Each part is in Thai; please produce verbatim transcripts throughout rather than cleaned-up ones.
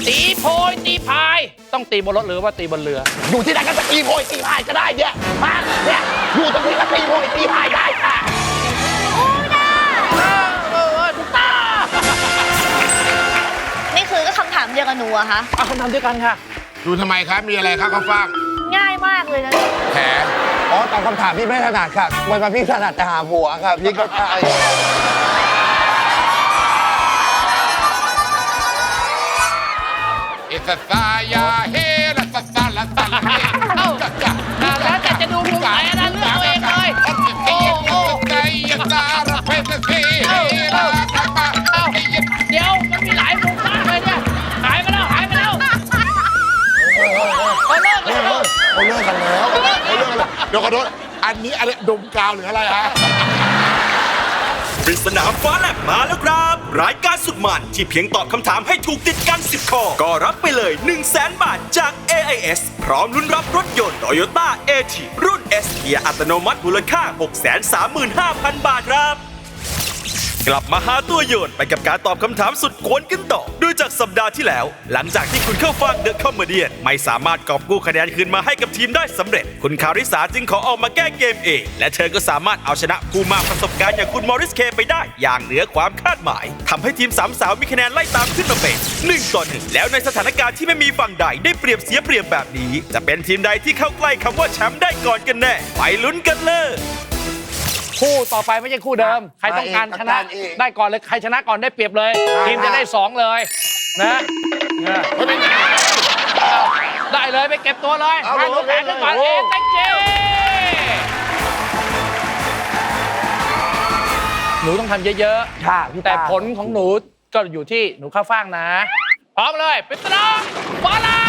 ตีโพยตีพายต้องตีบนรถหรือว่าตีบนเรืออยู่ที่ไหนก็ตีโพยตีพายก็ได้เนี่ยมาเนี่ยอยู่ตรงนี้ก็ตีโพยตีพายได้ค่ะโอ้ยนะเออถูกต้องนี่คือก็คำถามเดียวกับหนูอะคะเอาคำถามเดียวกันค่ะดูทำไมครับมีอะไรครับข้าวฟ่างง่ายมากเลยนะแผลอ๋อตอบคำถามพี่ไม่ถนัดค่ะวันมาพี่ถนัดแต่หาผัวค่ะพี่ก็ใช่อิสตายาเฮลัสตาลัสตาลาเฮเอ้าแล้วแต่จะดูมุมไหนนะเลือกเอาเองเลยโอ้โอ้ใจยาตาระเพสเซเฮลาตาปาเอ้าเดี๋ยวมันมีหลายมุมมากเลยเนี่ยหายไปแล้วหายไปแล้วเขาเลิกแล้วเขาเลิกกันแล้วเขาเลิกกันแล้วเดี๋ยวขอโทษอันนี้อะไรดมกาวหรืออะไรฮะปริศนาฟ้าแลบมาแล้วครับรายการสุดมันที่เพียงตอบคำถามให้ถูกติดกันสิบข้อก็รับไปเลย หนึ่งแสน บาทจาก เอ ไอ เอส พร้อมลุ้นรับรถยนต์ Toyota เอ ที รุ่น S เกียร์อัตโนมัติมูลค่า หกแสนสามหมื่นห้าพัน บาทครับกลับมาหาตัวโยนไปกับการตอบคำถามสุดกวนกันต่อโดยจากสัปดาห์ที่แล้วหลังจากที่คุณเข้าฟังเดอะคอมเมเดี้ไม่สามารถกอบกู้คะแนนคืนมาให้กับทีมได้สำเร็จคุณคาริสาจึงขอออกมาแก้เกมเองและเธอก็สามารถเอาชนะผู้มากประสบการณ์อย่างคุณมอริสเคไปได้อย่างเหนือความคาดหมายทำให้ทีมสามสาวมีคะแนนไล่ตามขึ้นมาเป็นหนึ่งต่อหนึ่งแล้วในสถานการณ์ที่ไม่มีฝั่งใดได้เปรียบเสียเปรียบแบบนี้จะเป็นทีมใดที่เข้าใกล้คำว่าแชมป์ได้ก่อนกันแน่ไปลุ้นกันเลยคู่ต่อไปไม่ใช่คู่เดิมใครต้องการชนะได้ก่อนเลยใครชนะก่อนได้เปรียบเลยทีมจะได้สองเลยนะได้เลยไปเก็บตัวเลยทางรถแข่งกันก่อนเองแตงเจหนูต้องทำเยอะๆค่ะแต่ผลของหนูก็อยู่ที่หนูข้าวฟ่างนะพร้อมเลยปิดตาบอลเลย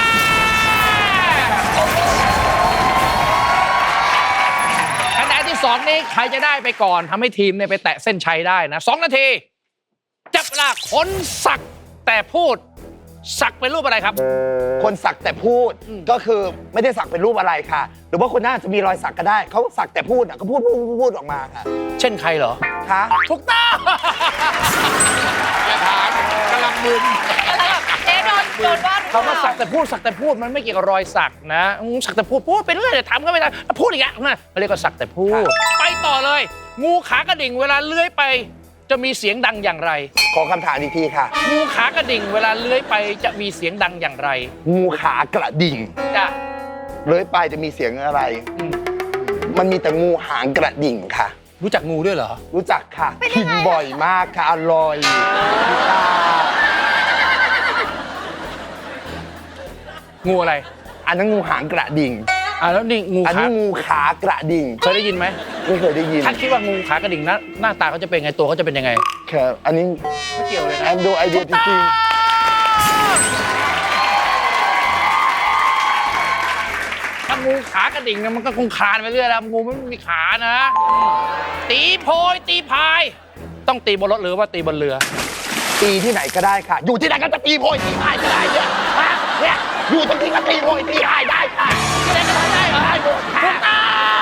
คะแนนที่สองนี้ใครจะได้ไปก่อนทำให้ทีมเนี่ยไปแตะเส้นชัยได้นะสองนาทีจับเวลาคนสักแต่พูดสักเป็นรูปอะไรครับคนสักแต่พูดก็คือไม่ได้สักเป็นรูปอะไรค่ะหรือว่าคนน่าจะมีรอยสักก็ได้เขาสักแต่พูดเขาพูดพูดพูดออกมาค่ะเช่นใครเหรอคะถูกต้องอย่าถามกำลังมึนเอ๊ะโดนโดนว่าเขามาสักแต่พูดสักแต่พูดมันไม่เกี่ยวกับรอยสักนะสักแต่พูดพูดไปเรื่อยทำก็ไม่ได้พูดอีกแล้วเขาเรียกว่าสักแต่พูดไปต่อเลยงูขากระดิ่งเวลาเลื้อยไปจะมีเสียงดังอย่างไรขอคำถามอีกทีค่ะงูขากระดิ่งเวลาเลื้อยไปจะมีเสียงดังอย่างไรงูขากระดิ่งจะเลื้อยไปจะมีเสียงอะไรมันมีแต่งูหางกระดิ่งค่ะรู้จักงูด้วยเหรอรู้จักค่ะกินบ่อยมากค่ะอร่อยงูอะไรอันนั้นงูหางกระดิ่งอ่าแล้วนี่งูอันนี้งูขากระดิ่งเคยได้ยินไหมไม่เคยได้ยินท่านคิดว่างูขากระดิ่งหน้าหน้าตาเขาจะเป็นไงตัวเขาจะเป็นยังไงครับอันนี้ไม่เกี่ยวเลยนะแอนดูไอเดียจริงถ้างูขากระดิ่งมันก็คงคลานไปเรื่อยแล้วงูไม่มีขานะตีโพยตีพายต้องตีบนรถหรือว่าตีบนเรือตีที่ไหนก็ได้ค่ะอยู่ที่ไหนก็จะตีโพยตีพายก็ได้เนี่ยมาเนี่ยอยู่ตรงที่ก็ตีโพยตีพายได้ค่ะที่ไหนก็ทำได้เหรอได้หมดค่ะ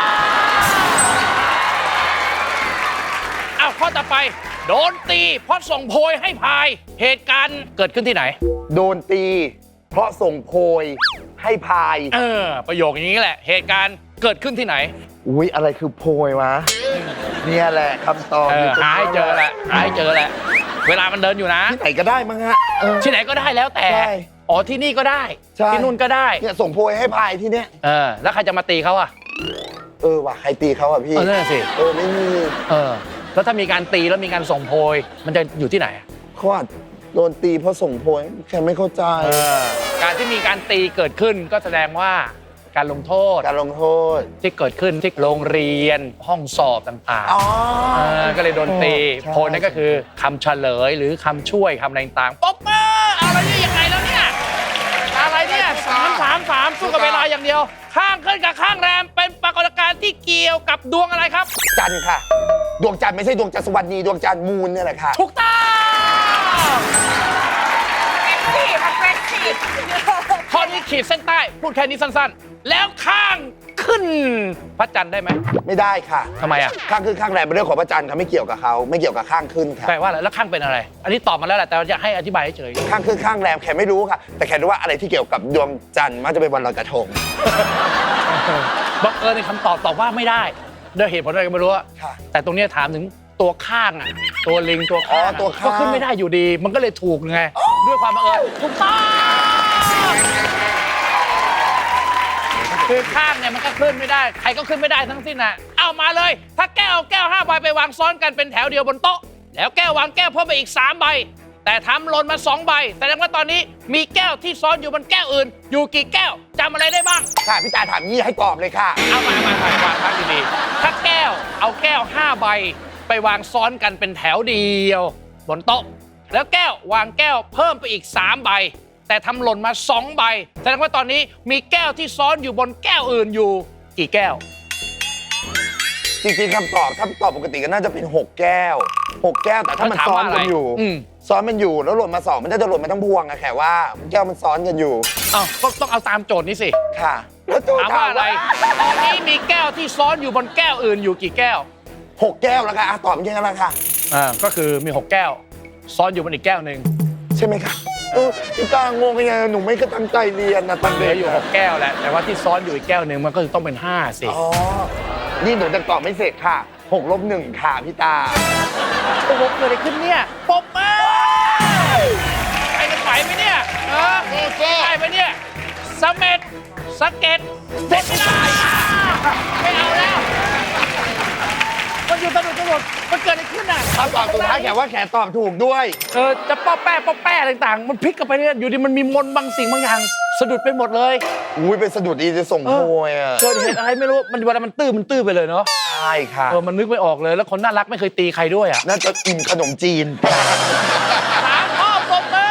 อ้าวข้อต่อไปโดนตีเพราะส่งโพยให้พายเหตุการณ์เกิดขึ้นที่ไหนโดนตีเพราะส่งโพยให้พายเออประโยคอย่างนี้แหละเหตุการณ์เกิดขึ้นที่ไหนอุ้ยอะไรคือโพยวะเนี่ยแหละคำตอบหาให้เจอแหละหาให้เจอแหละเวลามันเดินอยู่นะที่ไหนก็ได้มั้งฮะที่ไหนก็ได้แล้วแต่อ๋อที่นี่ก็ได้ที่นู่นก็ได้เนี่ยส่งโพยให้พายที่เนี้ยเออแล้วใครจะมาตีเขาอ่ะเออว่ะใครตีเขาอ่ะพี่เออนั่นสิเออไม่มีเออแล้วถ้ามีการตีแล้วมีการส่งโพยมันจะอยู่ที่ไหนเขาอาจโดนตีเพราะส่งโพยแค่ไม่เข้าใจการที่มีการตีเกิดขึ้นก็แสดงว่าการลงโทษการลงโทษที่เกิดขึ้นที่โรงเรียนห้องสอบต่างๆก็เลยโดนตีโพยนั่นก็คือคำเฉลยหรือคำช่วยคำอะไรต่างๆป๊อปเปอร์อะไรนี่ยังไงแล้วเนี่ยอะไรเนี่ยสามสามสามสู้กับเวลาอย่างเดียวข้างขึ้นกับข้างแรมเป็นปรากฏการณ์ที่เกี่ยวกับดวงอะไรครับจันทร์ค่ะดวงจันทร์ไม่ใช่ดวงจันทร์สวรรณีดวงจันทร์มูนนี่แหละค่ะถูกต้องข้อนี้ขีดเส้นใต้พูดแค่นี้สั้นๆแล้วข้างขึ้นพระจันทร์ได้ไหมไม่ได้ค่ะทำไมอ่ะข้างขึ้นข้างแรมเป็นเรื่องของพระจันทร์ค่ะไม่เกี่ยวกับเขาไม่เกี่ยวกับข้างขึ้นค่ะแปลว่าอะไรแล้วข้างเป็นอะไร อันนี้ตอบมาแล้วแหละแต่ว่าจะให้อธิบายเฉยข้างขึ้นข้างแรมแขกไม่รู้ค่ะ แต่แขกรู้ว่าอะไรที่เกี่ยวกับดวงจันทร์มักจะเป็นวันลอยกระทงบังเอิญในคำตอบตอบว่าไม่ได้ด้วยเหตุผลอะไรก็ไม่รู้อะค่ะแต่ตรงเนี้ยถามถึงตัวข้างอ่ะตัวลิงตัวข้างอ๋อตัวข้างก็ขึ้นไม่ได้อยู่ดี มันก็เลยถูกไงด้วยความบังเอิญถูกต้องคือข้างเนี่ยมันก็ขึ้นไม่ได้ใครก็ขึ้นไม่ได้ทั้งสิ้นน่ะเอามาเลย ถ้าแก้วเอาแก้วห้าใบไปวางซ้อนกันเป็นแถวเดียวบนโต๊ะแล้วแก้ววางแก้วเพิ่มไปอีกสามใบแต่ทำหล่นมาสองใบแสดงว่าตอนนี้มีแก้วที่ซ้อนอยู่บนแก้วอื่น อยู่กี่แก้วจำอะไรได้บ้างค่ะพี่ตาถามยี่ให้ตอบเลยค่ะเอามามามายวางพักดีๆถ้าแก้วเอาแก้วห้าใบไปวางซ้อนกันเป็นแถวเดียวบนโต๊ะแล้วแก้ววางแก้วเพิ่มไปอีกสามใบแต่ทำหล่นมาสองใบแสดงว่าตอนนี้มีแก้วที่ซ้อนอยู่บนแก้วอื่นอยู่กี่แก้วจริงๆคำตอบถ้าตอบปกติก็น่าจะเป็นหกแก้วหกแก้วแต่ถ้ามันแล้วถามซ้อนว่าอะไรกันอยู่อืมซ้อนมันอยู่แล้วหล่นมาสองมันน่าจะหล่นมาทั้งพวงอะแขกว่าแก้วมันซ้อนกันอยู่อ้าวก็ต้องเอาตามโจทย์นี้สิค่ะแล้วโจทถามย์ว่าอะไร ตอนนี้มีแก้วที่ซ้อนอยู่บนแก้วอื่นอยู่กี่แก้วหกแก้วแล้วค่ะอ่ะตอบยังไงล่ะค่ะอ่าก็คือมีหกแก้ว ซ้อนอยู่บนอีกแก้วหนึ่งใช่ไหมคะเออพี่ตางงยังไงหนูไม่ก็ตั้งใจเรียนนะตอนเหลืเด็อก อยู่หกแก้วแหละแต่ว่าที่ซ้อนอยู่อีกแก้วหนึ่งมันก็คือต้องเป็นห้าสิอ๋อนี่หนูจะตอบไม่เสร็จค่ะหกลบหนึ่งค่ะพี่ตาโอ้โหเกิดอะไรขึ้นเนี่ยปบมือไปกันไหวไหมเนี่ยเออได้ไหมเนี่ยสะเม็ดสะเก็ดเด็ดไม่ได้ไม่เอาแล้วมันอยู่ตำรวจตำรวจมันเกิดอะไรขึ้นอ่ะถ้าตอบถูกท้ายแขกว่าแขกตอบถูกด้วยเออจะป้อแป้ป้อแป้ต่างๆ มันพลิกกันไปเนี่ยอยู่ดีมันมีมนต์บางสิ่งบางอย่างสะดุดไปหมดเลยอุ้ยเป็นสะดุดดีจะส่งโพยอ่ะเกิดเหตุอะไรไม่รู้มันเวลามันตื้อมันตื้อไปเลยเนาะใช่ค่ะเออมันนึกไม่ออกเลยแล้วคนน่ารักไม่เคยตีใครด้วยอ่ะน่าจะอิ่มขนมจีนสามข้อปรบมือ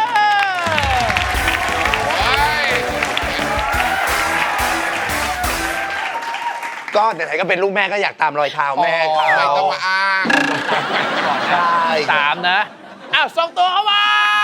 ก็ไหนๆก็เป็นลูกแม่ก็อยากตามรอยเท้าแม่เขาไม่ต้องมาอ้างใช่สามนะ อ้าวส่งตัวเข้ามา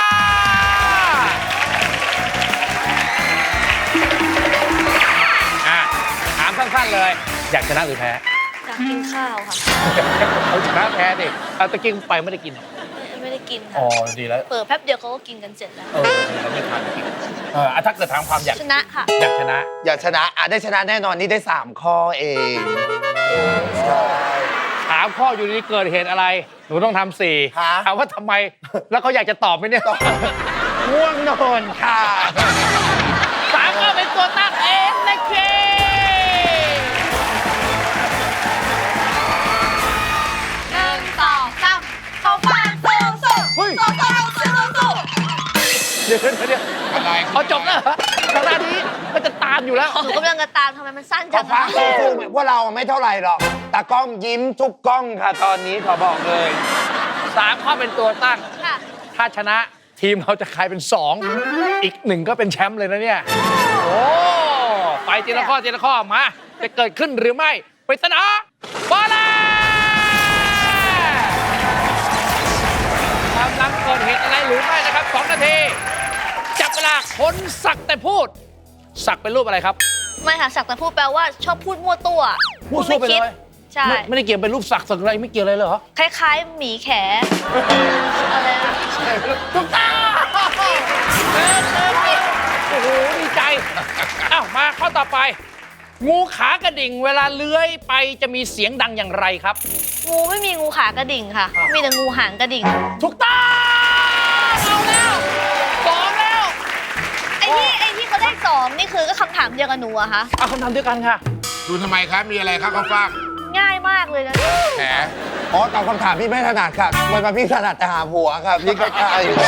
อ่ะ ถามสั้นๆเลย อยากชนะหรือแพ้อยากกินข้าวค่ะเอาชนะแพ้ดิเอาตะกี้ไปไม่ได้กินเหรอไม่ไม่ได้กินอ๋อค่ะดีแล้วเปิดแป๊บเดียวเขาก็กินกันเสร็จแล้วเออเราไม่ทานกินเอออ่ะถ้าเกิดถามความอยากชนะค่ะอยากชนะอยากชนะอ่ะได้ชนะแน่นอนนี่ได้สามข้อเองใช่ถามข้ออยู่ดีๆเกิดเหตุอะไร หนูต้องทำสี่ฮะถามว่าทำไม แล้วเขาอยากจะตอบไหมเนี่ยง่วงนอนค่ะสามก็เป็นตัวตั้งเองนะเคหนึ่งสองสามเข้าฟันสู้สู้เฮ้ยสู้สู้สู้สู้เดี๋ยวเดี๋ยวเดี๋ยวอะไรเขาจบแล้วเหรอขนาดนี้มันจะตามอยู่แล้วหนูกำลังจะตามทำไมมันสั้นขจัอง ฟ้าอะสู้ๆพวกเราไม่เท่าไหร่หรอกตากล้องยิ้มทุกกล้องค่ะ ตอนนี้ขอบอกเลยสามข้อเป็นตัวตั้งค่ะถ้าชนะทีมเราจะกลายเป็นสองอีกหนึ่งก็เป็นแชมป์เลยนะเนี่ย โอ้ไปทีละข้อทีละข้อมา จะเกิดขึ้นหรือไม่ปริศนาบอลเลยกำลังเกิดเหตุอะไรหรือไม่นะครับสองนาที จับเวลาคนสักแต่พูด สักเป็นรูปอะไรครับไม่ค่ะสักแต่พูดแปลว่าชอบพูดมั่วตัวมั่วซั่วไปเลยคิดใช่ไม่ไม่ได้เกี่ยวเป็นรูปสักสักอะไรไม่เกี่ยวเลยเหรอคล้ายๆหมีแขอะไรนะถูกต้องเริ่มเริ่มเริ่มโอ้โหดีใจอ้าวมาข้อต่อไป งูขากระดิ่งเวลาเลื้อยไปจะมีเสียงดังอย่างไรครับงูไม่มีงูขากระดิ่งค่ะ มีแต่งูหางกระดิ่งถูกต้องเอาแล้วสองแล้วไอ้ที่ไอ้ที่เขาได้สองนี่คือก็คำถามเดียวกับหนูอะคะเอาคำถามเดียวกันค่ะดูทำไมครับ มีอะไรครับข้าวฟ่างง่ายมากเลยนะแหมอ๋อตอบคำถามพี่ไม่ถนัดค่ะวันมาพี่ถนัดแต่หาผัวค่ะพี่ก็ใช่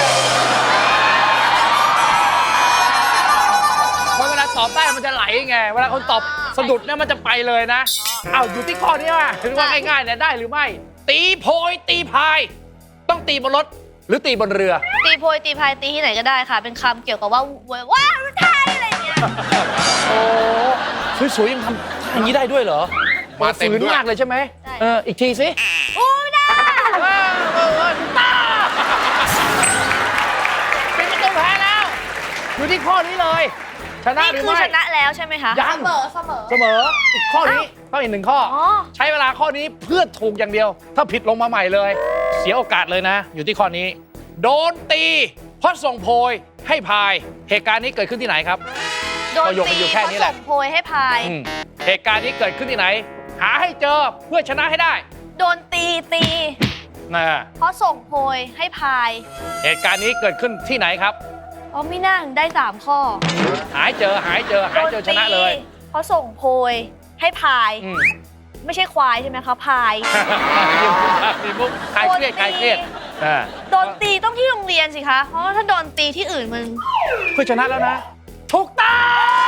เพราะเวลาตอบได้มันจะไหลไง เวลาคนตอบสะดุดเนี่ยมันจะไปเลยนะ เอาอยู่ที่ข้อนี้ว่าถือว่าง่ายๆเนี่ยได้หรือไม่ ตีโพยตีพาย ต้องตีบนรถหรือตีบนเรือตีโพยตีพายตีที่ไหนก็ได้ค่ะ เป็นคำเกี่ยวกับว่าว้าวไทยอะไรอย่างเงี้ยโอ้สวยๆยังทำท่าอย่างนี้ได้ด้วยเหรอมาเต็มฝืนด้วยมากเลยใช่ไหมใช่เอออีกทีสิอู้ได้เออเออเออตาเป็นประตูแพ้แล้ว อยู่ที่ข้อนี้เลย ชชนะนี่หรือคือไม่ชนะแล้วใช่ไหมคะยังเสมอเสมอเสมออีกข้อนี้ต้องอีกหนึ่งข้อออใช้เวลาข้อนี้เพื่อถูกอย่างเดียว ถ้าผิดลงมาใหม่เลย เสียโอกาสเลยนะ อยู่ที่ข้อนี้ โดนตีเพราะส่งโพยให้พาย เหตุการณ์นี้เกิดขึ้นที่ไหนครับโดนประโยคมันตีอยู่แค่เขานี้แหส่ละงโพยให้พายอืมเหตุการณ์นี้เกิดขึ้นที่ไหน หาให้เจอเพื่อชนะให้ได้โดนตีตีนะเพราะส่งโพยให้พายเหตุการณ์นี้เกิดขึ้นที่ไหนครับเพราะไม่น่าถึงได้สามข้อหาให้เจอหาให้เจอหาให้เจอชนะเลยโดตีเพราะส่งโพยให้พายอืมไม่ใช่ควายใช่ไหมคะพายยิ้มมีมุกคลายเครียดคลายเครียดอ่าโดนตีต้องที่โรงเรียนสิคะ เพราะว่าถ้าโดนตีที่อื่นมันเพื่อชนะแล้วนะ ถูกต้อง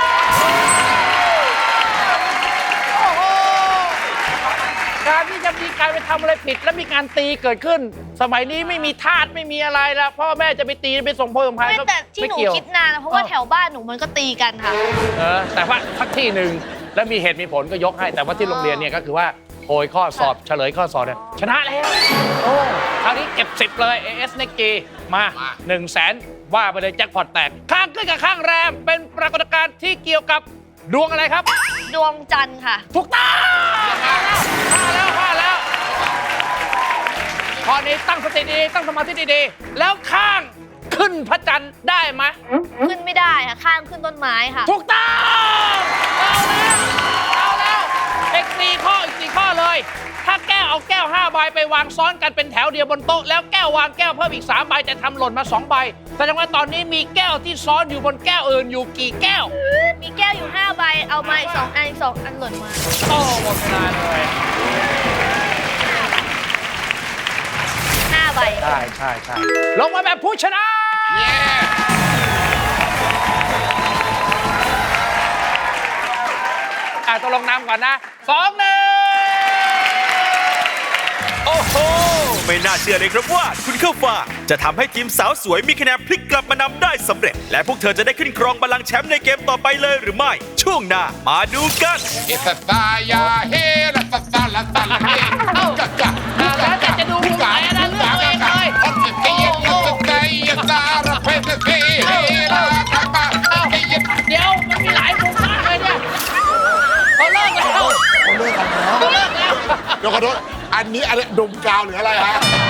โอ้โหการที่จะมีการไปทำอะไรผิดแล้วมีการตีเกิดขึ้น สมัยนี้ไม่มีทาสไม่มีอะไรแล้วพ่อแม่จะไปตีไปส่งโพยส่งพายไม่ก็แต่ที่ไม่หนูเกี่ยวคิดนานนะเพราะว่าเออแถวบ้านหนูมันก็ตีกันค่ะเออแต่ว่าสักที่หนึ่งแล้วมีเหตุมีผลก็ยกให้ แต่ว่าที่โรงเรียนเนี่ยก็คือว่าโพยข้อสอบเฉลยข้อสอบเนี่ยชนะแล้วโอ้คราวนี้เก็บสิบเลย เอ เอส Next G มา1นึ่งแสนว่าไปเลยแจ็คพอตแตก ข้างขึ้นกับข้างแรมเป็นปรากฏการณ์ที่เกี่ยวกับดวงอะไรครับดวงจันทร์ค่ะถูกต้องมาแล้วมาแล้วข้อนี้ตั้งสติดีๆตั้งสมาธิดีๆแล้วข้างขึ้นพระจันทร์ได้ไหมขึ้นไม่ได้ค่ะ ข้างขึ้นต้นไม้ค่ะถูกต้องเอาแล้วเอาแล้วอีกสี่ข้ออีกสี่ข้อเลย ถ้าแก้วเอาแก้วห้าใบไปวางซ้อนกันเป็นแถวเดียวบนโต๊ะแล้วแก้ววางแก้วเพิ่มอีกสามใบแต่ทำหล่นมาสองใบแสดงว่าตอนนี้มีแก้วที่ซ้อนอยู่บนแก้วอื่นอยู่กี่แก้วมีแก้วอยู่ห้าใบ เอามาอีกสองอันอีกสองอันหล่นมาโอ้หมดเวลาเลยห้าใบใช่ใช่ใช่ลงมาแบบผู้ชนะ อ่ะต้องลงน้ำก่อนนะสองหนึ่งโอ้โห ไม่น่าเชื่อเลยครับว่าคุณเข้าฟ้างจะทำให้ทีมสาวสวยมีคะแนนพลิกกลับมานำได้สำเร็จ และพวกเธอจะได้ขึ้นครองบัลลังก์แชมป์ในเกมต่อไปเลยหรือไม่ ช่วงหน้ามาดูกันเอสตายาเฮลัสซาลาซาลาเฮจักจักแล้วแต่จะดูมุมไหนนะเลือกตัวเองเลยโอ้โหใจซาระเพสเซเฮลาตาปาเฮยเดี๋ยวมันมีหลายมุมมากเลยเนี่ยเขาเลิกแล้วเขาเลิกกันแล้วเขาเลิกแล้วเดี๋ยวขอโทษอันนี้อะไรดมกาวหรืออะไรฮะ